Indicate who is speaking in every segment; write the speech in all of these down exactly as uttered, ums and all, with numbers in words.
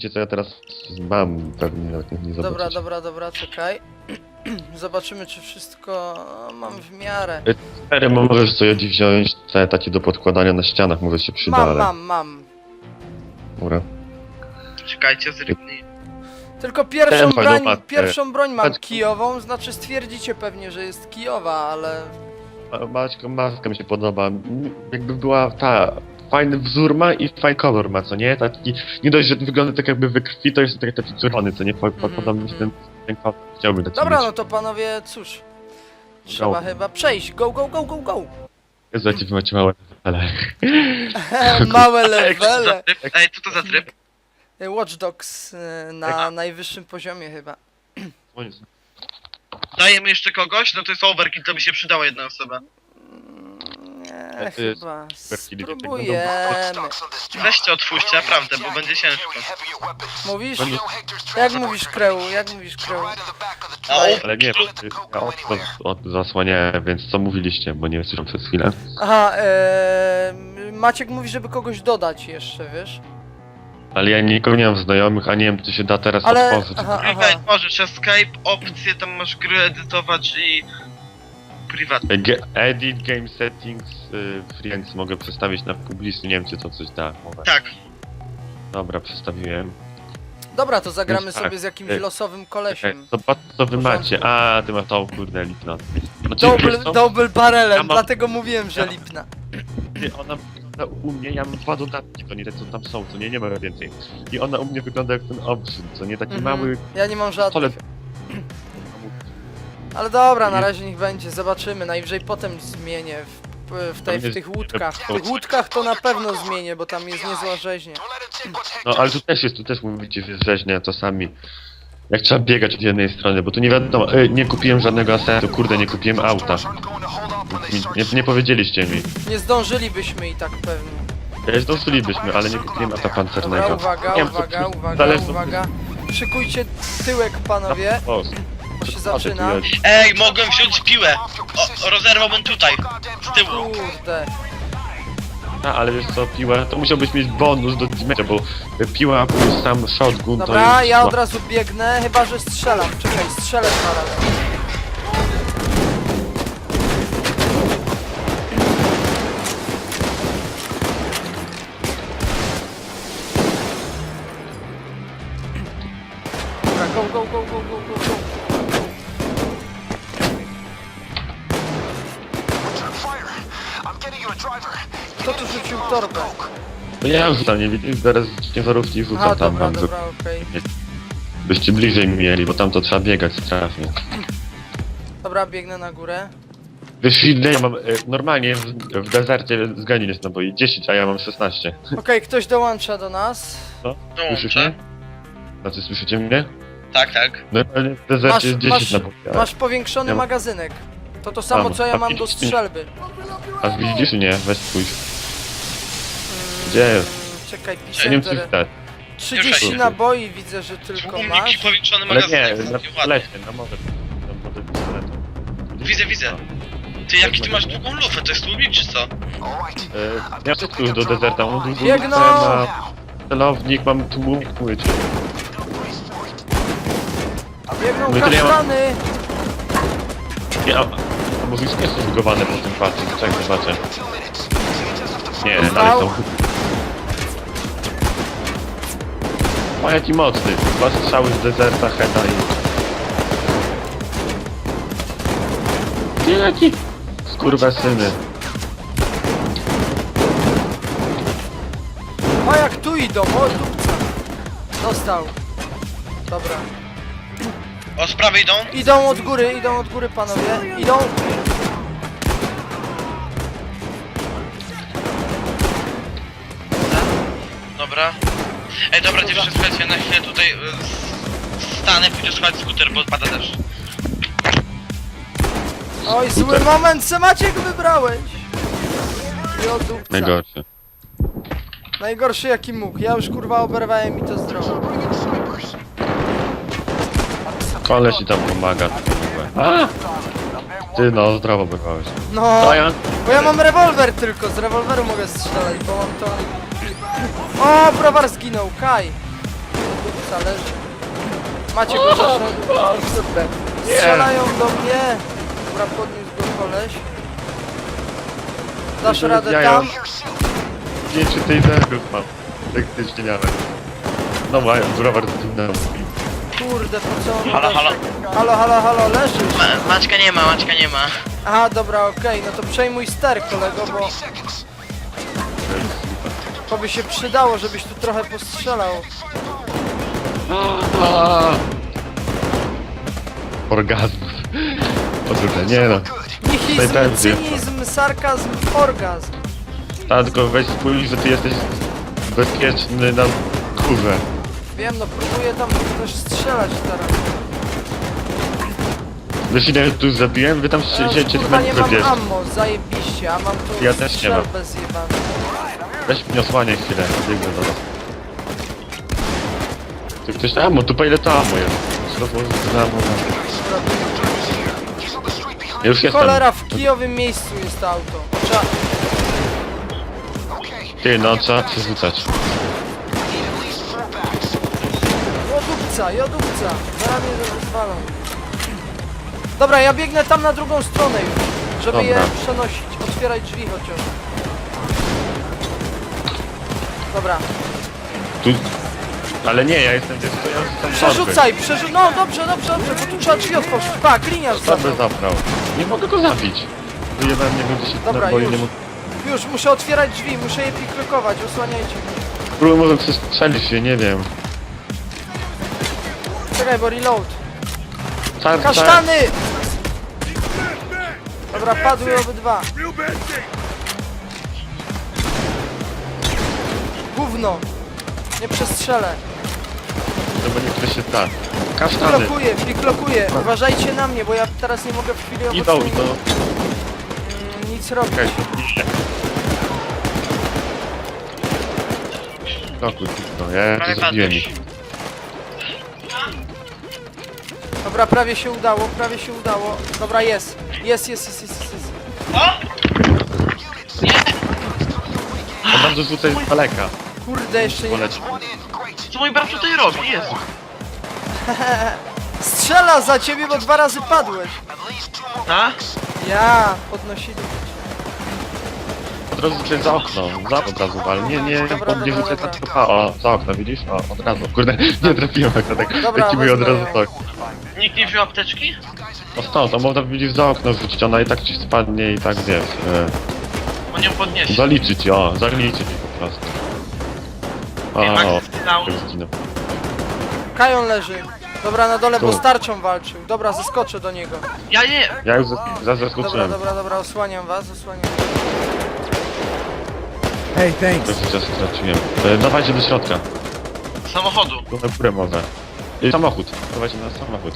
Speaker 1: wiecie co ja teraz mam, pewnie nawet nie, nie zobaczycie.
Speaker 2: Dobra, dobra, dobra, czekaj. Zobaczymy, czy wszystko mam w miarę.
Speaker 1: Cztery możesz sobie wziąć te takie do podkładania na ścianach, może się przyda,
Speaker 2: Mam,
Speaker 1: ale...
Speaker 2: mam, mam.
Speaker 1: Dobra.
Speaker 3: Czekajcie, zrywni.
Speaker 2: Tylko pierwszą
Speaker 1: Ten
Speaker 2: broń,
Speaker 1: fajną matkę.
Speaker 2: pierwszą broń mam
Speaker 1: Patrz.
Speaker 2: kijową, znaczy stwierdzicie pewnie, że jest kijowa, ale...
Speaker 1: Ma- Maćko, maska mi się podoba. M, Jakby była ta... Fajny wzór ma i fajny kolor ma, co nie? Taki... Nie dość, że wygląda tak jakby we krwi, to jest taki, taki czerwony, co nie? Po- po-
Speaker 2: Mhm,
Speaker 1: Podoba mi się ten, ten kolor. Chciałbym taki
Speaker 2: Dobra,
Speaker 1: mieć.
Speaker 2: no to panowie, cóż. Trzeba
Speaker 1: Go.
Speaker 2: chyba przejść. Go, go, go, go, go!
Speaker 1: Jezu, jakie wy macie małe ale...
Speaker 2: Małe levele.
Speaker 3: Ej, co to za tryb?
Speaker 2: Watch Dogs y, na najwyższym poziomie chyba.
Speaker 3: Dajemy jeszcze kogoś? No to jest overkill, to by się przydała jedna osoba.
Speaker 2: Mm, Nie,
Speaker 1: to jest
Speaker 2: chyba.
Speaker 1: overkill, nie tak
Speaker 2: Spróbujemy.
Speaker 3: Weźcie otwórzcie, naprawdę, bo będzie ciężko.
Speaker 2: Mówisz?
Speaker 1: Będę-
Speaker 2: Jak mówisz kreł? Jak mówisz kreł?
Speaker 3: A
Speaker 1: Ale nie, ja od, od, zasłaniałem, więc co mówiliście, bo nie słyszałem przez chwilę.
Speaker 2: Aha, e, Maciek mówi, żeby kogoś dodać jeszcze, wiesz?
Speaker 1: Ale ja nikogo nie mam znajomych, a nie wiem, czy się da teraz
Speaker 2: Ale...
Speaker 1: otworzyć.
Speaker 2: Aha, aha.
Speaker 3: Klikaj, możesz escape, opcje, tam masz gry edytować i... Prywatnie.
Speaker 1: Ge- Edit, game settings, y, friends mogę przestawić na publiczny, nie wiem, czy to coś da. Mogę.
Speaker 3: Tak.
Speaker 1: Dobra, przestawiłem.
Speaker 2: Dobra, to zagramy
Speaker 1: Tak,
Speaker 2: sobie z jakimś
Speaker 1: tak.
Speaker 2: losowym
Speaker 1: Czekaj,
Speaker 2: kolesiem.
Speaker 1: zobacz co wy
Speaker 2: Porządku.
Speaker 1: macie. A, ty masz tą kurde lipna. Znaczy,
Speaker 2: Double,
Speaker 1: wiesz co?
Speaker 2: double barrelem,
Speaker 1: Ja mam-
Speaker 2: dlatego mówiłem, że
Speaker 1: Ja-
Speaker 2: lipna.
Speaker 1: Ty, ona wygląda u mnie, ja mam dwa dodatki, to nie te co tam są, co nie, nie ma więcej. I ona u mnie wygląda jak ten obrzyd, co nie, taki
Speaker 2: Mhm.
Speaker 1: mały
Speaker 2: Ja nie mam żadnych.
Speaker 1: pistolet.
Speaker 2: Ale dobra, na
Speaker 1: Nie.
Speaker 2: razie niech będzie, zobaczymy. Najwyżej potem zmienię w, w, tej, w
Speaker 1: Tam
Speaker 2: tych
Speaker 1: jest-
Speaker 2: łódkach. W tych łódkach to na pewno zmienię, bo tam jest niezła rzeźnia.
Speaker 1: No ale tu też jest, tu też mówicie, że rzeźnia czasami. Jak trzeba biegać od jednej strony, bo tu nie wiadomo, e, nie kupiłem żadnego asetu, kurde, nie kupiłem auta. Mi, nie, nie powiedzieliście mi.
Speaker 2: Nie zdążylibyśmy i tak pewnie.
Speaker 1: E, Zdążylibyśmy, ale nie kupiłem auta
Speaker 2: Dobra,
Speaker 1: pancernego.
Speaker 2: uwaga,
Speaker 1: Nie wiem, co
Speaker 2: uwaga,
Speaker 1: tu-
Speaker 2: uwaga,
Speaker 1: zależy-
Speaker 2: uwaga. Szykujcie tyłek, panowie,
Speaker 1: O,
Speaker 2: bo się
Speaker 1: co ty
Speaker 2: zaczyna.
Speaker 1: tu jest?
Speaker 3: Ej, mogłem wziąć piłę! O, rozerwałbym tutaj, z tyłu.
Speaker 2: Kurde.
Speaker 1: A, ale wiesz co, piła, to musiałbyś mieć bonus do damage, bo piła plus sam shotgun to
Speaker 2: Dobra,
Speaker 1: jest...
Speaker 2: ja od razu biegnę, chyba że strzelam. Czekaj, strzelę dwa razy. Dobra, go, go, go, go, go, go, go. Kto tu rzucił torbę?
Speaker 1: No ja już tam nie widzę, zaraz ciężarówki rzucam
Speaker 2: Aha,
Speaker 1: tam
Speaker 2: dobra,
Speaker 1: wam,
Speaker 2: dobra, okej.
Speaker 1: byście bliżej mieli, bo tam to trzeba biegać strasznie.
Speaker 2: Dobra, biegnę na górę.
Speaker 1: Wiesz ile ja mam, e, normalnie w, w dezercie zganin jest naboi dziesięć, a ja mam szesnaście.
Speaker 2: Okej, ktoś dołącza do nas.
Speaker 1: Co? Słyszysz mnie?
Speaker 3: Dołączę.
Speaker 1: Znaczy słyszycie mnie?
Speaker 3: Tak, tak.
Speaker 1: Normalnie w dezercie
Speaker 2: Masz,
Speaker 1: jest dziesięć
Speaker 2: masz,
Speaker 1: naboi. a-
Speaker 2: masz powiększony
Speaker 1: Ja mam-
Speaker 2: magazynek. To to samo
Speaker 1: Mam.
Speaker 2: co ja
Speaker 1: A
Speaker 2: mam do
Speaker 1: widzisz, nie?
Speaker 2: strzelby.
Speaker 1: A widzisz nie? Weź spójrz.
Speaker 2: Mm,
Speaker 1: Gdzie jest?
Speaker 2: Czekaj,
Speaker 1: Ja nie wiem
Speaker 2: piszę.
Speaker 1: czy wstać.
Speaker 2: trzydzieści
Speaker 1: Już.
Speaker 2: naboi widzę, że tylko
Speaker 3: U mnie
Speaker 2: masz.
Speaker 3: powiększony
Speaker 1: Ale
Speaker 3: magazynek.
Speaker 1: nie, na
Speaker 3: ładnie.
Speaker 1: pistoletie, no może. No może pistoletem.
Speaker 3: Widzę, widzę. Ty, jaki ty masz długą lufę? To jest tłumik czy co?
Speaker 1: E, ja wszystko już do dezerta, mam długą
Speaker 2: Biegną!
Speaker 1: lufę, mam celownik, mam tłumik płycie.
Speaker 2: Biegną
Speaker 1: No i tyle ja mam-
Speaker 2: kasztany!
Speaker 1: Nie, a, a może już nie są zbugowane po tym patrzeć, czekaj, zobaczę. Nie,
Speaker 2: Dostał?
Speaker 1: dalej są. O, jaki mocny. Dwa strzały z dezerta, heda i... Nie, jaki... Skurwysyny.
Speaker 2: O, jak tu idą, o dupca. Dostał. Dobra.
Speaker 3: O, z prawej idą?
Speaker 2: Idą od góry, idą od góry panowie. Idą.
Speaker 3: Dobra. Ej, dobra, dziewczyny, słuchajcie, na chwilę tutaj y, s- stanę, pójdę słuchać skuter, bo pada deszcz.
Speaker 2: Oj, zły moment, se Maciek wybrałeś. I od dupca.
Speaker 1: Najgorszy.
Speaker 2: Najgorszy jaki mógł. Ja już kurwa oberwałem i to zdrowo.
Speaker 1: Koleś ci tam pomaga. A! Ty no, zdrowo bywałeś.
Speaker 2: No,
Speaker 1: To ja?
Speaker 2: bo ja mam rewolwer tylko, z rewolweru mogę strzelać, bo mam to... O, browar zginął, Kaj. Dobrca leży. Macie go za środek. Strzelają do mnie. Dobra, podniósł go koleś. Dasz radę
Speaker 1: Jajo.
Speaker 2: tam?
Speaker 1: Nie, czy tej zergów mam. Taktycznie nawet. No mają, browar zginął.
Speaker 2: Kurde, po co on
Speaker 3: Halo,
Speaker 2: dasz?
Speaker 3: halo.
Speaker 2: Halo, halo, halo, leżysz?
Speaker 3: Ma Maćka nie ma, Maćka nie ma.
Speaker 2: Aha, dobra, okej, no to przejmuj ster, kolego, bo... To by się przydało, żebyś tu trochę postrzelał.
Speaker 1: Orgazmus. Odrzucę, nie no.
Speaker 2: Nihilizm,
Speaker 1: Najpewniej.
Speaker 2: cynizm, sarkazm, orgazm.
Speaker 1: Ta, tylko weź spójrz, że ty jesteś bezpieczny na kurze.
Speaker 2: Wiem, no próbuję tam też strzelać teraz.
Speaker 1: Wiesz ile tu zabiłem? Wy tam
Speaker 2: Ja
Speaker 1: siedzicie
Speaker 2: już,
Speaker 1: w
Speaker 2: kurwa nie
Speaker 1: metro
Speaker 2: mam
Speaker 1: gdzieś.
Speaker 2: ammo, zajebiście, a mam tu
Speaker 1: Ja też nie mam.
Speaker 2: strzelbę zjebaną.
Speaker 1: Weź mnie osłaniaj chwilę, biegnę do was. Ty ktoś ammo, tu po ile to ammo jest? Znowu za ammo. Ja już jestem.
Speaker 2: Cholera, w kijowym miejscu jest to auto. Trzeba...
Speaker 1: Ty, no trzeba przerzucać.
Speaker 2: Jodówca, jodówca, zaraz mnie rozwalą. Dobra, ja biegnę tam na drugą stronę już, żeby je
Speaker 1: Dobra.
Speaker 2: przenosić. Otwieraj drzwi chociaż. Dobra,
Speaker 1: Tu... Ale nie, ja jestem gdzieś, to ja już jestem
Speaker 2: przerzucaj, przerzucaj. No dobrze, dobrze, dobrze, bo tu trzeba drzwi otworzyć. Pa, gliniarz za
Speaker 1: Dobry
Speaker 2: mną.
Speaker 1: zabrał. Nie mogę go zabić. Wyjebałem, nie wiem, gdzie się
Speaker 2: Dobra,
Speaker 1: naboi,
Speaker 2: już.
Speaker 1: nie mogę.
Speaker 2: Już, muszę otwierać drzwi, muszę je piklokować, osłaniajcie mnie.
Speaker 1: Próbuję może przestrzelić się, nie wiem.
Speaker 2: Czekaj, bo reload.
Speaker 1: Car,
Speaker 2: Kasztany! Dobra, padły obydwa. Gówno. Nie przestrzelę.
Speaker 1: No bo niektóre się da. Kasztany.
Speaker 2: Piklokuję, piklokuję. Uważajcie na mnie, bo ja teraz nie mogę w chwili
Speaker 1: Idą,
Speaker 2: obecnej
Speaker 1: idą.
Speaker 2: mm, nic robić.
Speaker 1: Czekaj. Blokuj, no ja
Speaker 3: Prawie
Speaker 1: to zabiłem
Speaker 3: padłeś.
Speaker 1: ich.
Speaker 2: Dobra, prawie się udało, prawie się udało. Dobra, jest. Jest, jest, jest, jest, jest.
Speaker 3: O!
Speaker 1: On bardzo rzucaj z daleka.
Speaker 2: Kurde, jeszcze nie...
Speaker 1: Poleć.
Speaker 3: Co mój brat tutaj robi? Jezu.
Speaker 2: Strzela za ciebie, bo dwa razy padłeś.
Speaker 3: A?
Speaker 2: Ja, podnosili.
Speaker 1: Od razu rzucaj za okno. Za od razu wal. Nie, nie,
Speaker 2: Dobra,
Speaker 1: pod nie
Speaker 2: dobra,
Speaker 1: rzucaj
Speaker 2: dobra.
Speaker 1: tak tylko. O, za okno, widzisz? O, od razu. Kurde, nie trafiłem akurat tak.
Speaker 2: Dobra,
Speaker 1: Lecimy od
Speaker 2: wezmę
Speaker 1: razu
Speaker 2: ją.
Speaker 1: tak.
Speaker 3: Nikt nie wziął apteczki?
Speaker 1: No stąd, to można widzieć za okno rzucić, ona i tak ci spadnie i tak wiesz. E,
Speaker 3: On ją podniesie.
Speaker 1: zaliczyć, o, zaliczyć po prostu. O,
Speaker 3: Ej, Max
Speaker 1: o,
Speaker 3: zginął.
Speaker 1: tak zginął.
Speaker 2: Kajon leży. Dobra, na dole, bo
Speaker 1: Tu.
Speaker 2: z tarczą walczył. Dobra, zeskoczę do niego.
Speaker 3: Ja nie.
Speaker 1: Ja już za- za-
Speaker 2: Dobra,
Speaker 1: zaskoczyłem.
Speaker 2: dobra, dobra, osłaniam was, osłaniam.
Speaker 4: Hey, thanks.
Speaker 1: Trochę czasu straciłem. E, dawajcie do środka.
Speaker 3: Samochodu.
Speaker 1: Tu na górę może. I samochód. Dawajcie na samochód.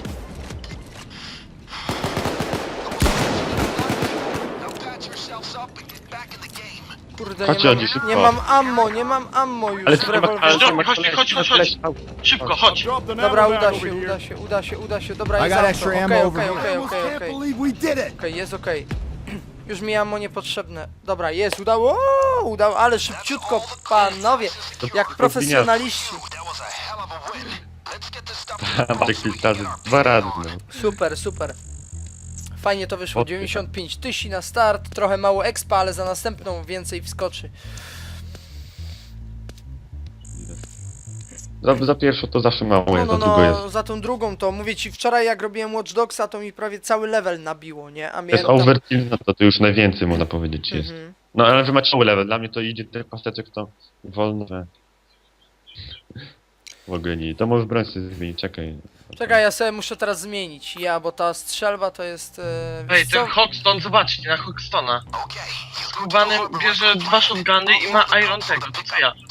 Speaker 2: Kurde,
Speaker 1: Chodźcie,
Speaker 2: nie
Speaker 1: Adi,
Speaker 2: mam,
Speaker 1: szybko.
Speaker 2: nie mam ammo, nie mam ammo już
Speaker 1: Ale
Speaker 2: w
Speaker 1: tu nie ma, ale
Speaker 2: rewolwerze.
Speaker 1: tu nie ma
Speaker 3: Chodź,
Speaker 1: koleś-
Speaker 3: chodź, chodź,
Speaker 1: koleś-
Speaker 3: chodź.
Speaker 1: au.
Speaker 3: Szybko, chodź.
Speaker 2: Dobra, uda się, uda się, uda się, uda się, dobra,
Speaker 4: I
Speaker 2: jest
Speaker 4: got
Speaker 2: auto.
Speaker 4: extra
Speaker 2: Okej,
Speaker 4: ammo over
Speaker 2: okej,
Speaker 4: here.
Speaker 2: okej,
Speaker 4: Almost
Speaker 2: okej,
Speaker 4: can't
Speaker 2: okej.
Speaker 4: believe we did it.
Speaker 2: Okej, jest okej. Już mi ammo niepotrzebne. Dobra, jest, udało, o, udało, ale szybciutko, panowie, jak profesjonaliści.
Speaker 1: Macie kilka razy, dwa razy. No.
Speaker 2: Super, super. Fajnie to wyszło, dziewięćdziesiąt pięć tysięcy na start, trochę mało expa, ale za następną więcej wskoczy.
Speaker 1: Za, za pierwszą to zawsze mało
Speaker 2: No,
Speaker 1: jest,
Speaker 2: no,
Speaker 1: za długo jest.
Speaker 2: no, za tą drugą to, mówię ci, wczoraj jak robiłem Watch Dogsa, to mi prawie cały level nabiło, nie? A
Speaker 1: To jest
Speaker 2: miałem tam...
Speaker 1: overkill, no to, to już najwięcej można powiedzieć jest.
Speaker 2: Mhm.
Speaker 1: No ale wy macie mały level, dla mnie to idzie tyle pasteczek, to wolno, że... W ogóle nie, to może broń sobie zmienić, czekaj.
Speaker 2: Czekaj, ja sobie muszę teraz zmienić, ja, bo ta strzelba to jest... E,
Speaker 3: Ej,
Speaker 2: wiesz co?
Speaker 3: ten Hoxton, zobaczcie, na Hoxtona. Skubany bierze dwa shotguny i ma Iron tego, to co ja?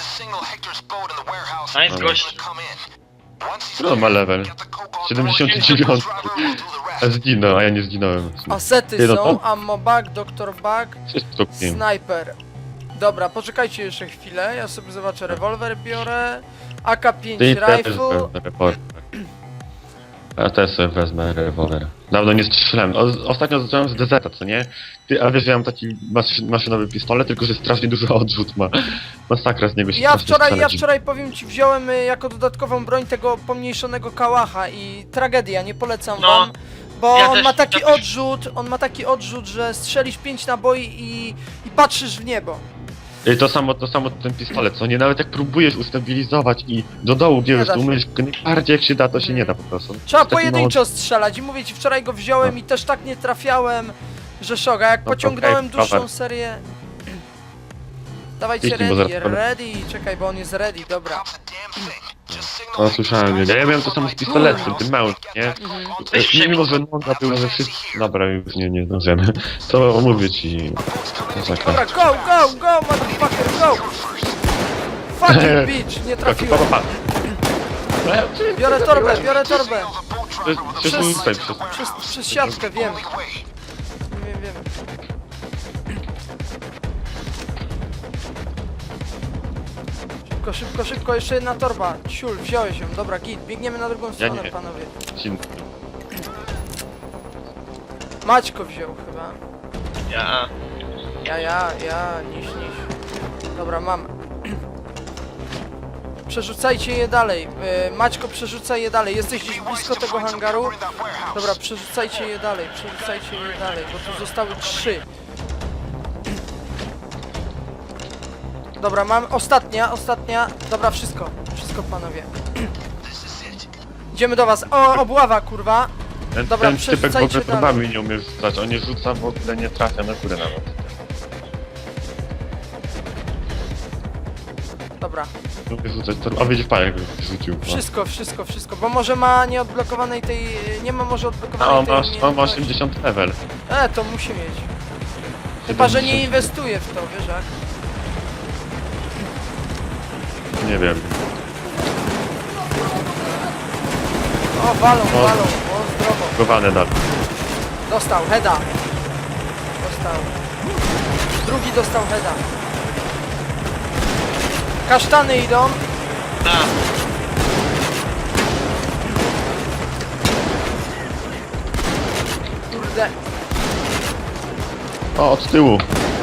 Speaker 3: Nice gość.
Speaker 1: Który on ma level? siedemdziesiąt dziewięć. A zginął, a ja nie zginąłem.
Speaker 2: Asety
Speaker 1: Ty, no
Speaker 2: są,
Speaker 1: to-
Speaker 2: ammo bag, doktor bag,
Speaker 1: Wszystko wiem.
Speaker 2: sniper. Dobra, poczekajcie jeszcze chwilę, ja sobie zobaczę, rewolwer biorę, A K pięć
Speaker 1: Ty też
Speaker 2: rifle,
Speaker 1: byłem na report. Ja też sobie wezmę rewolwer. Dawno nie strzelałem. O, ostatnio zacząłem z D Z, co nie? Ty, a wiesz, ja mam taki mas maszynowy pistolet, tylko że strasznie dużo odrzut ma. Masakra z niego się
Speaker 2: Ja
Speaker 1: strasznie
Speaker 2: wczoraj, ja
Speaker 1: strzelać.
Speaker 2: wczoraj powiem ci, wziąłem y, jako dodatkową broń tego pomniejszonego kałacha i tragedia, nie polecam
Speaker 3: No,
Speaker 2: wam. Bo
Speaker 3: ja
Speaker 2: on
Speaker 3: też-
Speaker 2: ma taki
Speaker 3: ja też-
Speaker 2: odrzut, on ma taki odrzut, że strzelisz pięć naboi i, i patrzysz w niebo.
Speaker 1: I to samo, to samo ten pistolet, co nie? Nawet jak próbujesz ustabilizować i do dołu bierzesz,
Speaker 2: da
Speaker 1: to
Speaker 2: się.
Speaker 1: umiesz najbardziej jak się da, to się nie da po prostu.
Speaker 2: Trzeba
Speaker 1: Taki
Speaker 2: pojedynczo strzelać i mówię ci, wczoraj go wziąłem
Speaker 1: No.
Speaker 2: i też tak nie trafiałem, że szok, a jak
Speaker 1: No to
Speaker 2: pociągnąłem
Speaker 1: okej,
Speaker 2: dłuższą
Speaker 1: cover.
Speaker 2: serię... Dawajcie
Speaker 1: Kliknij, bo
Speaker 2: ready,
Speaker 1: zaraz-
Speaker 2: ready, czekaj, bo on jest ready, dobra.
Speaker 1: No słyszałem, ja, ja miałem to samo z pistoletem, tym małym, nie?
Speaker 3: Coś
Speaker 1: E, Mimo, że noga była ze wszystkim... Dobra, już nie, nie zdążymy. To mówię ci... Masakra.
Speaker 2: Dobra, go, go, go, motherfucker, go! Fucking bitch, nie
Speaker 1: Pa, pa,
Speaker 2: trafiłem.
Speaker 1: pa.
Speaker 2: Biorę torbę, biorę torbę.
Speaker 1: Przez, przez,
Speaker 2: Przez-
Speaker 1: tutaj, przez...
Speaker 2: Przez, przez siatkę, wiem. Wiem, wiem. Szybko, szybko, szybko, jeszcze jedna torba. Ciul, wziąłeś ją, dobra, git. Biegniemy na drugą stronę,
Speaker 1: nie.
Speaker 2: panowie.
Speaker 1: Sin-
Speaker 2: Maćko wziął chyba.
Speaker 3: Ja.
Speaker 2: Ja, ja, ja, niś, niś. Dobra, mam. Przerzucajcie je dalej. Yy, Maćko, przerzucaj je dalej. Jesteś gdzieś blisko tego hangaru? Dobra, przerzucajcie je dalej, przerzucajcie je dalej, bo tu zostały trzy. Dobra, mam ostatnia, ostatnia. Dobra, wszystko, wszystko panowie. Idziemy do was. O, obława, kurwa.
Speaker 1: Ten,
Speaker 2: Dobra,
Speaker 1: ten typek w
Speaker 2: przerzucajcie
Speaker 1: ogóle próbami nie umie rzucać, on nie rzuca, w ogóle nie trafia na górę nawet.
Speaker 2: Dobra,
Speaker 1: Nie umie rzucać, to... a widzisz, pan jak rzucił. No.
Speaker 2: wszystko, wszystko, wszystko, bo może ma nieodblokowanej tej... Nie ma może
Speaker 1: A
Speaker 2: odblokowanej
Speaker 1: on
Speaker 2: tej
Speaker 1: ma, on ma
Speaker 2: umiejętności.
Speaker 1: osiemdziesiąt level.
Speaker 2: E, to musi mieć. Chyba, że nie inwestuje w to, wiesz jak?
Speaker 1: Nie wiem.
Speaker 2: O, walą,
Speaker 1: O.
Speaker 2: walą, o, zdrowo.
Speaker 1: Gowane dalej.
Speaker 2: Dostał, heada. Dostał. Drugi dostał heada. Kasztany idą.
Speaker 3: Tak.
Speaker 2: Kurde.
Speaker 1: O, od tyłu.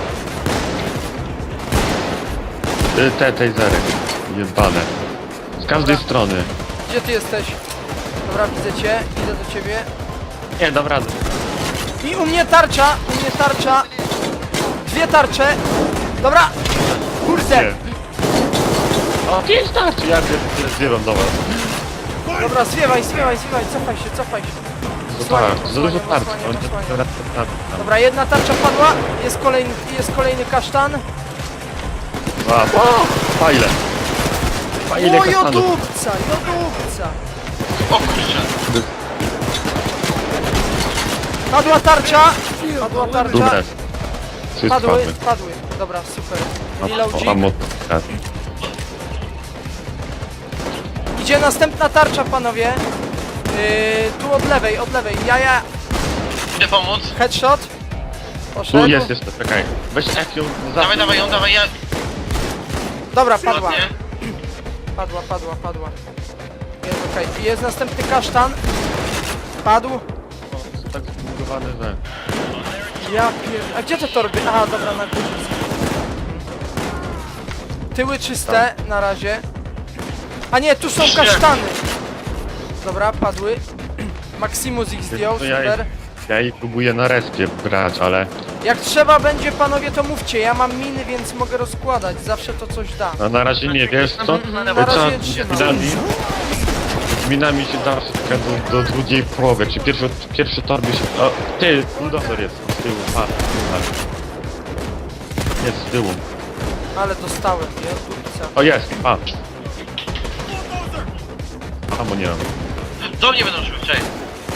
Speaker 1: Y, Te, tej zerek. Jebane. Z każdej
Speaker 2: Dobra.
Speaker 1: strony.
Speaker 2: Gdzie ty jesteś? Dobra, widzę cię. Idę do ciebie.
Speaker 1: Nie, dam radę.
Speaker 2: I u mnie tarcza, u mnie tarcza. Dwie tarcze. Dobra. Kurde.
Speaker 1: Nie. O, pięć tarczy! Ja pier- zwiewam do was.
Speaker 2: Dobra, zwiewaj, zwiewaj, zwiewaj. Cofaj się, cofaj się.
Speaker 1: To
Speaker 2: Osłaniam,
Speaker 1: tak, za dużo
Speaker 2: osłaniam,
Speaker 1: tarczy.
Speaker 2: osłaniam,
Speaker 1: On
Speaker 2: osłaniam.
Speaker 1: teraz tam.
Speaker 2: Dobra, jedna tarcza padła. Jest kolejny, jest kolejny kasztan.
Speaker 1: A, o, fajle. Fajle
Speaker 2: O,
Speaker 1: kastanów.
Speaker 2: jodówca, jodówca.
Speaker 3: O kurczę.
Speaker 2: Padła tarcza. Padła tarcza.
Speaker 1: Dobre. Trzy
Speaker 2: Padły,
Speaker 1: spadły.
Speaker 2: padły. Dobra, super.
Speaker 1: O,
Speaker 2: Reloadzik.
Speaker 1: ammo. Tak.
Speaker 2: Idzie następna tarcza, panowie. Yy, tu od lewej, od lewej. Ja, ja.
Speaker 3: Idę pomóc.
Speaker 2: Headshot.
Speaker 1: Tu
Speaker 2: Poszedł.
Speaker 1: jest jeszcze, czekaj. Weź F ją za...
Speaker 3: Dawaj, dawaj ją, dawaj, ja...
Speaker 2: Dobra, padła.
Speaker 3: Ładnie.
Speaker 2: Padła, padła, padła. Jest okej. I jest następny kasztan. Padł.
Speaker 1: Są tak zbugowane, że...
Speaker 2: Ja pier... A gdzie te torby? Aha, dobra, na górze. Tyły czyste na razie. A nie, tu są kasztany. Dobra, padły. Maximus ich zdjął,
Speaker 1: To ja,
Speaker 2: super.
Speaker 1: ja jej próbuję na respie brać, ale...
Speaker 2: Jak trzeba będzie, panowie, to mówcie. Ja mam miny, więc mogę rozkładać. Zawsze to coś da.
Speaker 1: No na razie nie, wiesz co?
Speaker 2: Na
Speaker 1: Trzeba
Speaker 2: razie
Speaker 1: z
Speaker 2: trzymam.
Speaker 1: minami... Z minami się da wszystko do, do drugiej połowy. Jak się pierwszy, pierwszy torby się... O, ty, bulldozer jest z tyłu, a, tak. Jest z tyłu.
Speaker 2: Ale dostałem, ja dupca.
Speaker 1: O, jest, patrz. A, bo nie mam.
Speaker 3: Do mnie będą szły, cześć.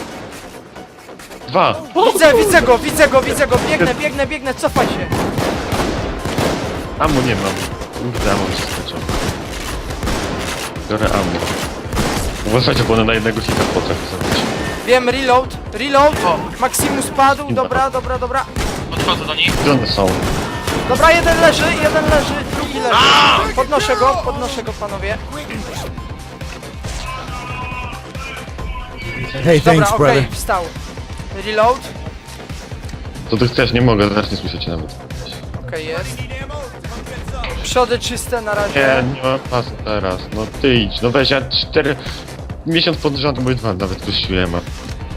Speaker 1: Dwa!
Speaker 2: Widzę, widzę go, widzę go, widzę go. Biegnę, biegnę, biegnę, cofaj się.
Speaker 1: Amu nie mam. Kurde, amu się skończył. Biorę amu. Uważajcie, bo one na jednego hita potrafi zrobić.
Speaker 2: Wiem, reload, reload.
Speaker 3: O.
Speaker 2: Maximus padł, dobra, dobra, dobra.
Speaker 3: Podchodzę do nich.
Speaker 1: Gdzie one są?
Speaker 2: Dobra, jeden leży, jeden leży, drugi leży. Podnoszę go, podnoszę go, panowie.
Speaker 4: Hey,
Speaker 2: Dobra,
Speaker 4: thanks,
Speaker 2: okej,
Speaker 4: brother.
Speaker 2: wstał. Reload.
Speaker 1: Co ty chcesz? Nie mogę, zaraz nie słyszę cię nawet.
Speaker 2: Okej, jest. Przody czyste na
Speaker 1: Nie,
Speaker 2: razie.
Speaker 1: nie mam czasu teraz. No ty idź, no weź, ja cztery... Miesiąc pod rząd, mój dwa nawet puściłem, a...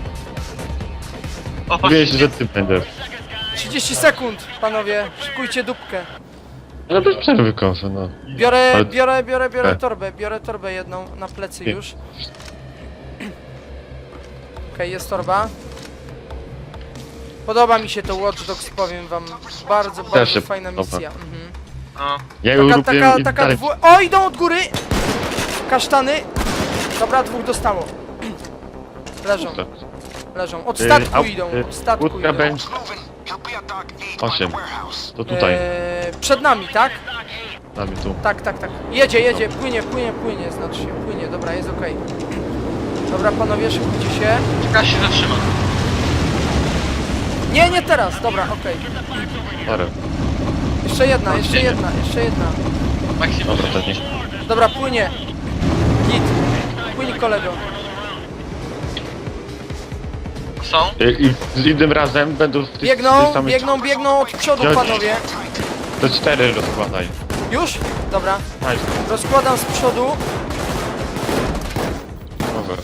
Speaker 3: O,
Speaker 1: Mówiłeś,
Speaker 3: patrzcie,
Speaker 1: że ty będziesz.
Speaker 2: trzydzieści sekund, panowie. Szykujcie dupkę.
Speaker 1: No bez przerwy kosę, no.
Speaker 2: Biorę,
Speaker 1: Ale-
Speaker 2: biorę, biorę, biorę
Speaker 1: E.
Speaker 2: torbę. Biorę torbę jedną na plecy
Speaker 1: Nie.
Speaker 2: już. Okej, jest torba. Podoba mi się to Watch Dogs, powiem wam. Bardzo, bardzo
Speaker 1: się
Speaker 2: fajna
Speaker 1: podoba.
Speaker 2: misja. Mhm.
Speaker 3: no.
Speaker 1: Ja ją
Speaker 2: Taka,
Speaker 1: lubię
Speaker 2: taka,
Speaker 1: i
Speaker 2: taka
Speaker 1: dalej...
Speaker 2: dwu... O, idą od góry! Kasztany. Dobra, dwóch dostało. Leżą, leżą. Od
Speaker 1: Y,
Speaker 2: statku
Speaker 1: au-
Speaker 2: idą,
Speaker 1: y,
Speaker 2: od statku
Speaker 1: łódka
Speaker 2: idą.
Speaker 1: będzie... Osiem. To tutaj,
Speaker 2: Eee, przed nami, tak?
Speaker 1: nami tu.
Speaker 2: Tak, tak, tak. Jedzie, jedzie, płynie, płynie, płynie, znaczy się, płynie, dobra, jest okej. Dobra, panowie, szykujcie się.
Speaker 3: Czeka się zatrzyma.
Speaker 2: Nie, nie teraz, dobra, okej.
Speaker 1: Parę.
Speaker 2: Jeszcze jedna, jeszcze jedna, jeszcze jedna.
Speaker 3: Maksimum.
Speaker 1: Dobra, to nie.
Speaker 2: Dobra, płynie. Git. Płynie kolego.
Speaker 3: Są?
Speaker 1: Y, I z innym razem będą w tych,
Speaker 2: Biegną,
Speaker 1: tych samych...
Speaker 2: biegną, biegną od przodu,
Speaker 1: Ja-
Speaker 2: panowie.
Speaker 1: To cztery rozkładaj.
Speaker 2: Już? Dobra.
Speaker 1: Daj,
Speaker 2: Rozkładam z przodu.
Speaker 1: dobra.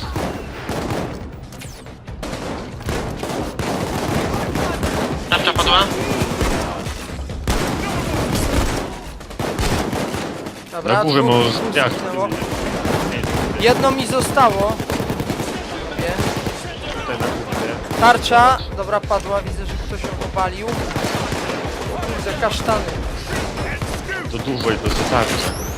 Speaker 3: Tarcza padła?
Speaker 2: Dobra,
Speaker 1: Na górze
Speaker 2: dwóch-
Speaker 1: może
Speaker 2: dwóch
Speaker 1: jak?
Speaker 2: zginęło. Jedno mi zostało. Nie.
Speaker 1: Tutaj na górze.
Speaker 2: Tarcza. Dobra, padła. Widzę, że ktoś ją obalił. Widzę kasztany.
Speaker 1: To dużo i to jest tak.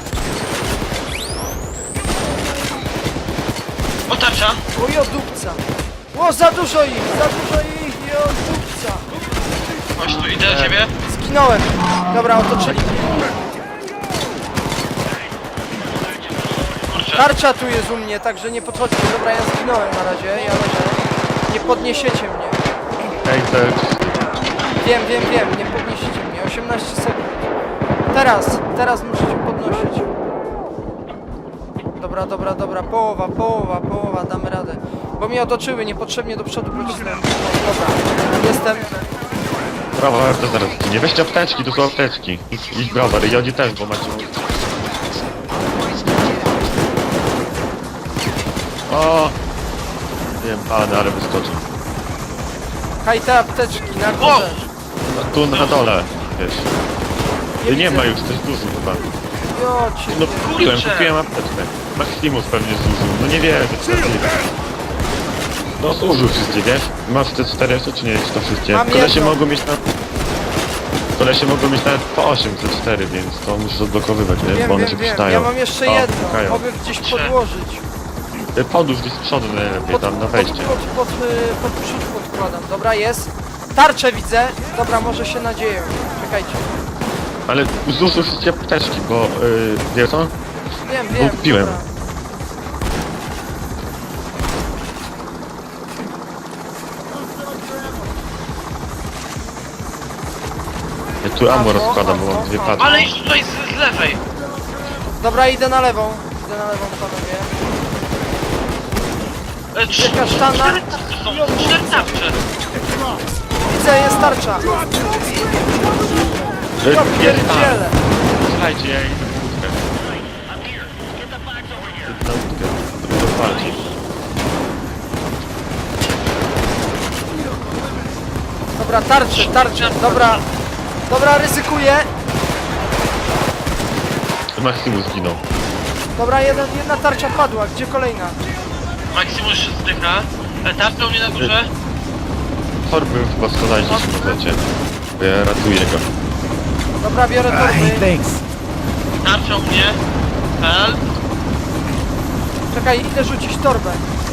Speaker 3: O, tarcza!
Speaker 2: O, jodupca. O, za dużo ich, za dużo ich, jodupca.
Speaker 3: Chodź tu, idę do ciebie.
Speaker 2: Zginąłem. Dobra, otoczyli mnie.
Speaker 3: Kurczę.
Speaker 2: Tarcza tu jest u mnie, także nie podchodźcie. Dobra, ja zginąłem na razie, ja leżę. Nie podniesiecie mnie.
Speaker 1: Ej, to jest...
Speaker 2: Wiem, wiem, wiem, nie podniesiecie mnie. osiemnaście sekund. Teraz, teraz musicie podnosić. Dobra, dobra, dobra, połowa, połowa, połowa, damy radę. Bo mnie otoczyły, niepotrzebnie do przodu pocisnąłem. Dobra, jestem.
Speaker 1: Browar to zaraz nie weźcie apteczki, to są apteczki. Idź, idź browar i oni też, bo macie... O! Wiem, ale, ale wyskoczył.
Speaker 2: Haj, te apteczki na
Speaker 3: Wow!
Speaker 2: górze.
Speaker 1: No, tu na dole, wiesz.
Speaker 2: Nie
Speaker 1: Nie, nie
Speaker 2: widzę.
Speaker 1: ma już, to jest duży chyba.
Speaker 2: Jocie,
Speaker 1: No
Speaker 2: nie.
Speaker 1: kupiłem,
Speaker 3: Kurczę.
Speaker 1: kupiłem apteczkę. Maximus pewnie zużył, no nie wierzę, co to jest. No zużył wszystkie, wiesz? Masz te czterysta czy nie, czy to wszystkie?
Speaker 2: Mam
Speaker 1: Kolesie
Speaker 2: jedno.
Speaker 1: mogą mieć na... Kolesie mogą mieć nawet po osiem, te cztery, więc to musisz odblokowywać, nie?
Speaker 2: Wiem,
Speaker 1: Bo one
Speaker 2: wiem,
Speaker 1: się
Speaker 2: wiem.
Speaker 1: przydają.
Speaker 2: Ja mam jeszcze
Speaker 1: O,
Speaker 2: jedno.
Speaker 1: pukają.
Speaker 2: Mogę gdzieś
Speaker 3: Trzy.
Speaker 2: podłożyć.
Speaker 1: Y, Podłóż gdzieś z przodu najlepiej,
Speaker 2: Pod,
Speaker 1: tam na
Speaker 2: pod,
Speaker 1: wejście.
Speaker 2: pod, pod, y, pod przód podkładam. Dobra, jest. Tarczę widzę. Dobra, może się nadzieję. Czekajcie.
Speaker 1: Ale zużył wszystkie apteczki, bo... Yy, wiesz co?
Speaker 2: Wiem, wiem.
Speaker 1: kupiłem.
Speaker 2: Dobra.
Speaker 1: Ja tu ammo
Speaker 2: Ammo,
Speaker 1: rozkładam, bo
Speaker 2: ammo,
Speaker 1: mam dwie
Speaker 2: ammo.
Speaker 1: paczki.
Speaker 3: Ale idź tutaj z, z lewej.
Speaker 2: Dobra, idę na lewą. Idę na lewą, panowie.
Speaker 3: E, trzy,
Speaker 2: Kasztana.
Speaker 3: cztery tarcze są, cztery tarcze.
Speaker 2: Widzę, jest tarcza.
Speaker 1: Y,
Speaker 2: Ja
Speaker 1: Jest tam.
Speaker 2: pierdzielę.
Speaker 1: Słuchajcie, ja idę na łódkę. Idę na łódkę. To rozwalcie.
Speaker 2: Dobra, tarczy, tarczy. Dobra. Dobra, ryzykuję.
Speaker 1: Maximus zginął.
Speaker 2: Dobra, jeden, jedna tarcza padła. Gdzie kolejna?
Speaker 3: Maximus się zdycha. E, tarcza u mnie na górze.
Speaker 1: Torby chyba składajcie się możecie. Bo ja ratuję go.
Speaker 2: Dobra, biorę
Speaker 4: Hey,
Speaker 2: torby.
Speaker 4: thanks.
Speaker 3: Tarcza u mnie. Help.
Speaker 2: Czekaj, idę rzucić torbę.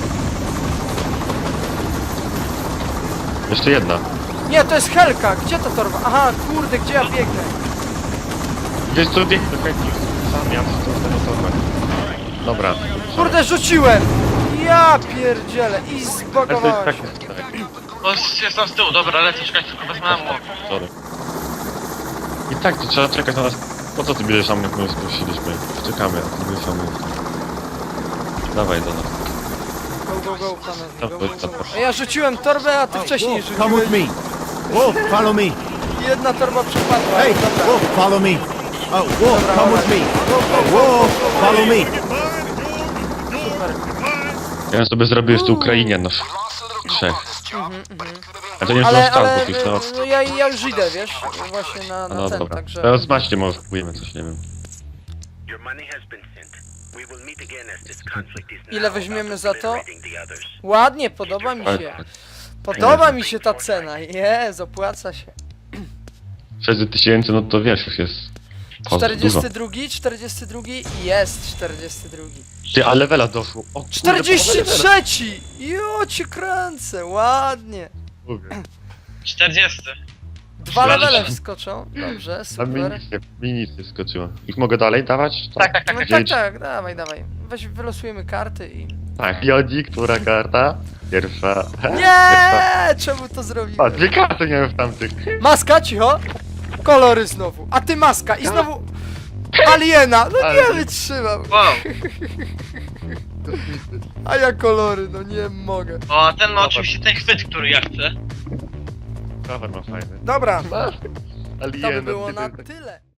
Speaker 1: Jeszcze jedna.
Speaker 2: Nie, to jest Helka. Gdzie ta torba? Aha, kurde, gdzie ja biegnę?
Speaker 1: Wiesz co, bieg do chętnych. Sam ja wszystko z tego torbę. Dobra.
Speaker 2: Kurde, rzuciłem! Ja pierdzielę i
Speaker 1: Ale to jest
Speaker 2: zbagowałem
Speaker 1: tak,
Speaker 2: się.
Speaker 1: tak.
Speaker 3: O, jest tam z tyłu, dobra, lecę, czekaj, tylko wezmę ammo.
Speaker 1: Sorry. I tak to trzeba czekać na nas. Po co ty bierzesz sam, jak my spuściliśmy? Czekamy, a ty bierzesz sam. Dawaj do nas.
Speaker 2: Go, go, go, panowie,
Speaker 1: No,
Speaker 2: go,
Speaker 1: to-
Speaker 2: go,
Speaker 1: to-
Speaker 2: go. A ja rzuciłem torbę, a ty wcześniej
Speaker 4: Wolf, come with
Speaker 2: rzuciłeś.
Speaker 4: me. Wolf, follow me.
Speaker 2: Jedna torba przepadła.
Speaker 4: Hey,
Speaker 2: Dobra.
Speaker 4: Wolf, follow me. Oh, Wolf,
Speaker 2: Dobra,
Speaker 4: come with
Speaker 2: dobra.
Speaker 4: me.
Speaker 2: Go, go, go,
Speaker 4: Wolf,
Speaker 2: go, go, go.
Speaker 4: follow me.
Speaker 2: Super.
Speaker 1: Ja bym sobie zrobił jeszcze Ukrainianów. Trzech.
Speaker 2: Mhm, mhm.
Speaker 1: A to nie
Speaker 2: Ale,
Speaker 1: zostało,
Speaker 2: ale
Speaker 1: bo już no.
Speaker 2: no, ja, ja już idę, wiesz, właśnie na,
Speaker 1: A
Speaker 2: na
Speaker 1: no
Speaker 2: ten,
Speaker 1: dobra.
Speaker 2: także...
Speaker 1: Teraz macie, może kupujemy coś, nie wiem.
Speaker 5: Your money has been sent. We will meet again as this conflict is
Speaker 2: Ile
Speaker 5: now
Speaker 2: weźmiemy
Speaker 5: about
Speaker 2: za to?
Speaker 5: obliterating the others.
Speaker 2: Ładnie, podoba mi się. Podoba mi się ta cena, jest, opłaca się.
Speaker 1: sześćset tysięcy, no to wiesz, już jest... o, dużo.
Speaker 2: czterdziesty drugi, czterdziesty drugi, jest czterdziesty drugi.
Speaker 1: Ty, a levela doszło. O, kurde,
Speaker 2: czterdziesty
Speaker 1: połowa levela.
Speaker 2: trzeci! Jo, cię kręcę, ładnie.
Speaker 1: Mówię.
Speaker 3: czterdziesty.
Speaker 2: Dwa
Speaker 3: Dobrze.
Speaker 2: levele wskoczą, dobrze,
Speaker 1: A mi
Speaker 2: super.
Speaker 1: nic nie, mi nic nie skoczyło. Ich mogę dalej dawać?
Speaker 3: Tak, tak, tak.
Speaker 2: No tak,
Speaker 1: Wiedzieć?
Speaker 2: tak, dawaj, dawaj. Weź, wylosujemy karty i...
Speaker 1: Tak, Jodzi, która karta? Pierwsza.
Speaker 2: Nie! Czemu to
Speaker 1: A,
Speaker 2: zrobiłem?
Speaker 1: dwie karty miałem w tamtych.
Speaker 2: Maska, cicho! Kolory znowu, a ty maska i znowu... Aliena! No nie
Speaker 1: Ale-
Speaker 2: wytrzymam!
Speaker 3: Wow.
Speaker 2: A ja kolory, no nie mogę.
Speaker 3: O, ten ma oczywiście ten chwyt, który ja chcę.
Speaker 1: Cover ma fajny.
Speaker 2: Dobra,
Speaker 1: Masz.
Speaker 2: to by
Speaker 1: Aliena,
Speaker 2: było
Speaker 1: ty-
Speaker 2: na
Speaker 1: ty-
Speaker 2: tyle.